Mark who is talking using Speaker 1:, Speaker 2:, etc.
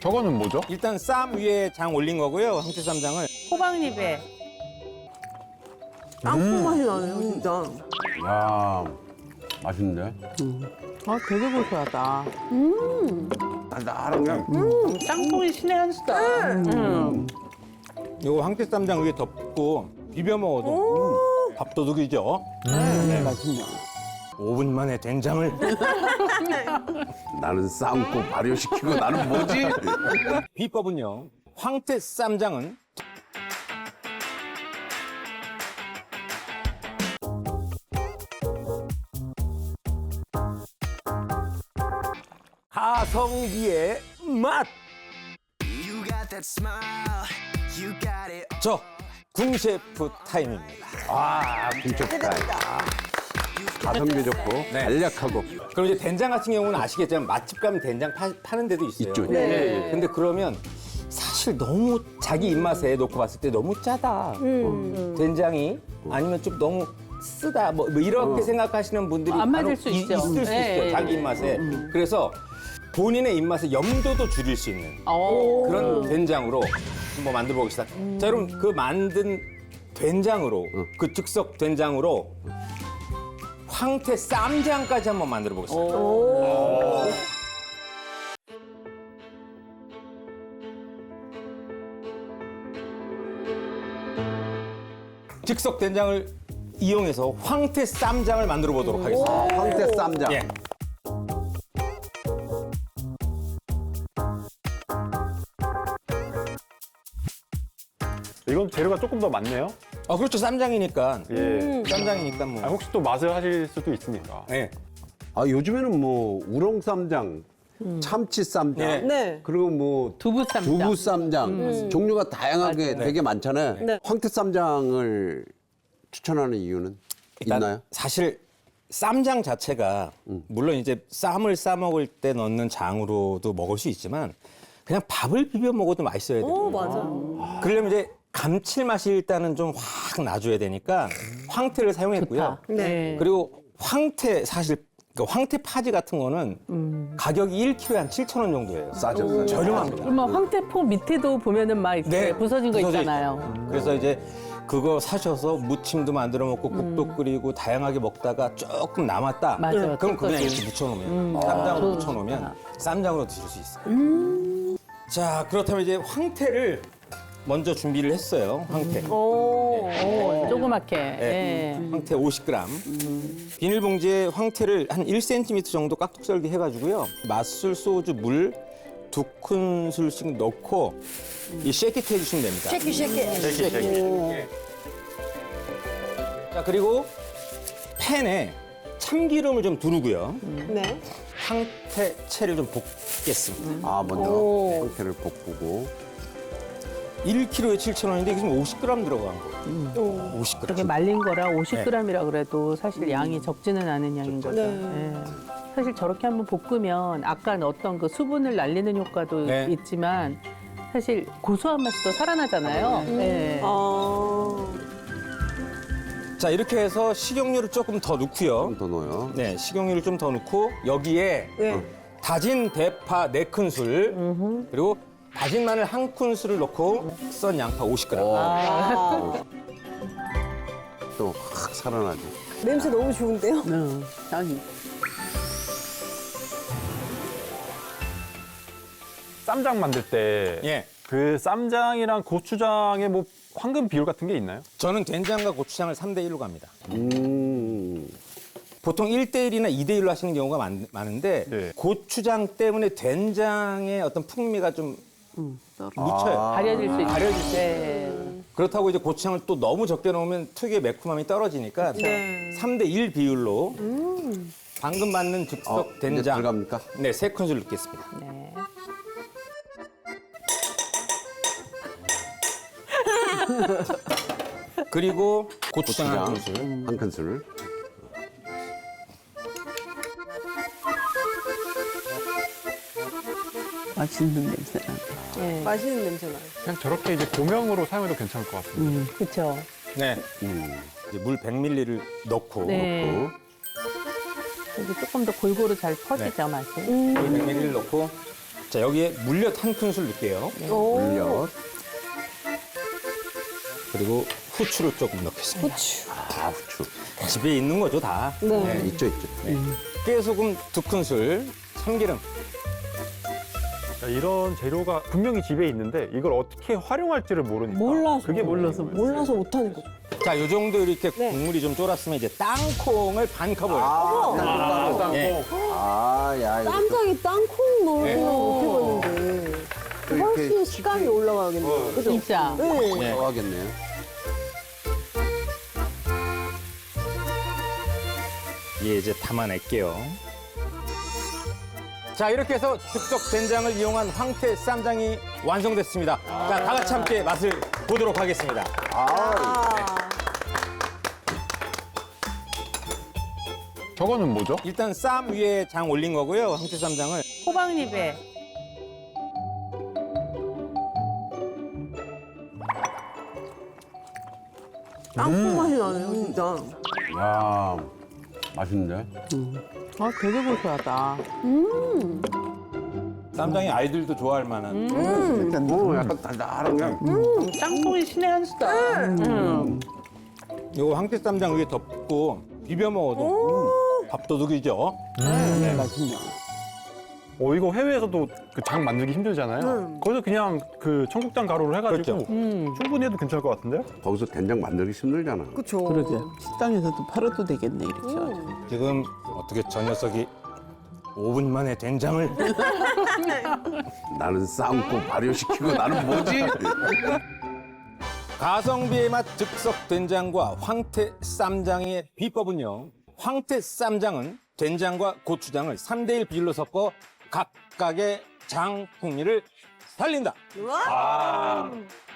Speaker 1: 저거는 뭐죠?
Speaker 2: 일단 쌈 위에 장 올린 거고요. 황태쌈장을.
Speaker 3: 호박잎에
Speaker 4: 땅콩 맛이 나네요, 진짜.
Speaker 5: 야, 맛있는데?
Speaker 3: 아 되게 고소하다.
Speaker 5: 달달한 게.
Speaker 3: 땅콩이 신의 한 수다.
Speaker 2: 이거 황태쌈장 위에 덮고 비벼 먹어도 밥도둑이죠.
Speaker 3: 맛있네.
Speaker 2: 5분 만에 된장을.
Speaker 5: 나는 삶고 발효시키고 나는 뭐지?
Speaker 2: 비법은요. 황태쌈장은 가성비의 맛.
Speaker 6: You got that smile, you got it.
Speaker 2: 저 궁셰프 타임입니다.
Speaker 5: 아, 김쳤다. 가성비 좋고 간략하고
Speaker 2: 그럼 이제 된장 같은 경우는 아시겠지만 맛집 가면 된장 파는 데도 있어요.
Speaker 5: 있죠.
Speaker 2: 네. 근데 그러면 사실 너무 자기 입맛에 놓고 봤을 때 너무 짜다. 된장이 아니면 좀 너무 쓰다. 뭐 이렇게 생각하시는 분들이
Speaker 3: 안 맞을
Speaker 2: 간혹
Speaker 3: 수 있죠.
Speaker 2: 있을 수
Speaker 3: 네.
Speaker 2: 있어요. 자기 입맛에. 그래서 본인의 입맛에 염도도 줄일 수 있는 그런 된장으로 한번 만들어 보겠습니다. 자, 여러분 그 만든 된장으로 그 즉석 된장으로 황태 쌈장까지 한번 만들어 보겠습니다. 즉석 된장을 이용해서 황태 쌈장을 만들어 보도록 하겠습니다.
Speaker 5: 황태 쌈장.
Speaker 2: 예.
Speaker 1: 이건 재료가 조금 더 많네요.
Speaker 2: 그렇죠. 쌈장이니까.
Speaker 1: 예.
Speaker 2: 쌈장이니까 뭐.
Speaker 1: 혹시 또 맛을 하실 수도 있으니까.
Speaker 2: 예.
Speaker 5: 아, 요즘에는 뭐 우렁 쌈장, 참치 쌈장,
Speaker 2: 네.
Speaker 4: 네.
Speaker 5: 그리고 뭐
Speaker 3: 두부 쌈장.
Speaker 5: 두부 쌈장 종류가 다양하게 되게 많잖아요.
Speaker 4: 네.
Speaker 5: 황태 쌈장을 추천하는 이유는
Speaker 2: 일단
Speaker 5: 있나요?
Speaker 2: 사실 쌈장 자체가 물론 이제 쌈을 싸 먹을 때 넣는 장으로도 먹을 수 있지만 그냥 밥을 비벼 먹어도 맛있어야 돼요.
Speaker 4: 맞아.
Speaker 2: 그러려면 이제 감칠맛이 일단은 좀 확 나줘야 되니까 황태를 사용했고요.
Speaker 4: 네.
Speaker 2: 그리고 황태 사실 그 황태 파지 같은 거는 가격이 1kg에 한 7,000원 정도예요.
Speaker 5: 싸죠.
Speaker 2: 저렴합니다.
Speaker 3: 그러면 황태포 밑에도 보면은 막 이렇게 부서진 거
Speaker 2: 부서져
Speaker 3: 있잖아요.
Speaker 2: 그래서 이제 그거 사셔서 무침도 만들어 먹고 국도 끓이고 다양하게 먹다가 조금 남았다.
Speaker 3: 맞아요.
Speaker 2: 그럼 그냥
Speaker 3: 뜯어지.
Speaker 2: 이렇게 묻혀놓으면 쌈장으로 묻혀놓으면 쌈장으로 드실 수 있어요. 자, 그렇다면 이제 황태를 먼저 준비를 했어요. 황태.
Speaker 3: 조그맣게.
Speaker 2: 네.
Speaker 3: 예.
Speaker 2: 황태 50g. 비닐봉지에 황태를 한 1cm 정도 깍둑 썰기 해가지고요. 맛술, 소주, 물 2큰술씩 넣고 이 쉐킷 해주시면 됩니다. 쉐킷. 자, 그리고 팬에 참기름을 좀 두르고요.
Speaker 4: 네.
Speaker 2: 황태채를 좀 볶겠습니다.
Speaker 5: 아, 먼저 황태를 볶고
Speaker 2: 1kg에 7,000원인데 이게 지금 50g 들어간 거예요. 50g.
Speaker 3: 그렇게 말린 거라 50g이라 그래도 사실 양이 적지는 않은 양인 거죠.
Speaker 4: 네.
Speaker 3: 예. 사실 저렇게 한번 볶으면 아까 어떤 그 수분을 날리는 효과도
Speaker 2: 네.
Speaker 3: 있지만 사실 고소한 맛이 더 살아나잖아요. 예.
Speaker 2: 자, 이렇게 해서 식용유를 조금 더 넣고요.
Speaker 5: 좀 더 넣어요.
Speaker 2: 네, 식용유를 좀 더 넣고 여기에
Speaker 4: 네.
Speaker 2: 다진 대파 4큰술 그리고 다진 마늘 1큰술을 넣고 썬 양파 50g.
Speaker 5: 또 확 살아나지.
Speaker 4: 냄새 너무 좋은데요?
Speaker 3: 아니.
Speaker 1: 쌈장 만들 때
Speaker 2: 예.
Speaker 1: 그 쌈장이랑 고추장의 뭐 황금 비율 같은 게 있나요?
Speaker 2: 저는 된장과 고추장을 3대1로 갑니다.
Speaker 5: 음.
Speaker 2: 보통 1대1이나 2대1로 하시는 경우가 많은데
Speaker 1: 네.
Speaker 2: 고추장 때문에 된장의 어떤 풍미가 좀 묻혀요.
Speaker 3: 가려질 수 있죠.
Speaker 2: 가려질 수
Speaker 3: 네.
Speaker 2: 그렇다고 이제 고추장을 또 너무 적게 넣으면 특유의 매콤함이 떨어지니까
Speaker 4: 네.
Speaker 2: 3대1 비율로 방금 만든 즉석
Speaker 5: 이제
Speaker 2: 된장
Speaker 5: 들어갑니까?
Speaker 2: 네, 3큰술 넣겠습니다.
Speaker 3: 네.
Speaker 2: 그리고 고추장
Speaker 5: 고추장
Speaker 2: 1큰술.
Speaker 5: 한 큰술.
Speaker 7: 맛있는 냄새 나.
Speaker 3: 예.
Speaker 4: 맛있는 냄새 나요.
Speaker 1: 그냥 저렇게 이제 고명으로 사용해도 괜찮을 것 같습니다.
Speaker 3: 그렇죠.
Speaker 2: 네. 이제 물 100ml를 넣고
Speaker 3: 네. 여기 조금 더 골고루 잘 퍼지죠, 맛이.
Speaker 2: 물 100ml를 넣고 자, 여기에 물엿 한 큰술 넣을게요.
Speaker 5: 물엿.
Speaker 2: 그리고 후추를 조금 넣겠습니다.
Speaker 5: 아, 후추.
Speaker 2: 집에 있는 거죠, 다.
Speaker 5: 네, 있죠, 있죠.
Speaker 2: 깨소금 2큰술, 참기름.
Speaker 1: 자, 이런 재료가 분명히 집에 있는데 이걸 어떻게 활용할지를 모르니까.
Speaker 4: 몰라서.
Speaker 1: 그게
Speaker 4: 몰라서 못하는 거죠.
Speaker 2: 자, 요 정도 이렇게
Speaker 4: 네.
Speaker 2: 국물이 좀 쫄았으면 이제 땅콩을 반 컵을. 예.
Speaker 5: 아, 야, 이거
Speaker 4: 쌈장에 땅콩 넣는
Speaker 2: 네.
Speaker 4: 건 못 해봤는데. 훨씬 식감이 올라가겠네요. 그죠?
Speaker 3: 진짜.
Speaker 4: 네.
Speaker 2: 네.
Speaker 5: 좋아하겠네요.
Speaker 2: 예, 이제 담아낼게요. 자, 이렇게 해서 즉석 된장을 이용한 황태 쌈장이 완성됐습니다. 자, 다 같이 함께 맛을 보도록 하겠습니다.
Speaker 1: 저거는 뭐죠?
Speaker 2: 일단 쌈 위에 장 올린 거고요, 황태 쌈장을.
Speaker 3: 호박잎에
Speaker 4: 땅콩 맛이 나네요, 진짜.
Speaker 5: 야, 맛있는데?
Speaker 3: 아 되게 고소하다.
Speaker 2: 쌈장이 아이들도 좋아할 만한.
Speaker 5: 약간 달달한 게.
Speaker 3: 땅콩이 신의 한 수다.
Speaker 2: 이거 황태 쌈장 위에 덮고 비벼 먹어도 밥도둑이죠.
Speaker 1: 이거 해외에서도 그 장 만들기 힘들잖아요. 거기서 그냥 그 청국장 가루를 해가지고
Speaker 2: 그렇죠.
Speaker 1: 충분히 해도 괜찮을 것 같은데요?
Speaker 5: 거기서 된장 만들기 힘들잖아.
Speaker 4: 그쵸.
Speaker 7: 그러게. 식당에서도 팔아도 되겠네, 이렇게. 해가지고.
Speaker 2: 지금 어떻게 저 녀석이 5분 만에 된장을.
Speaker 5: 나는 삶고 발효시키고 나는 뭐지?
Speaker 2: 가성비의 맛 즉석 된장과 황태 쌈장의 비법은요. 황태 쌈장은 된장과 고추장을 3대1 비율로 섞어 각각의 장 풍미를 살린다.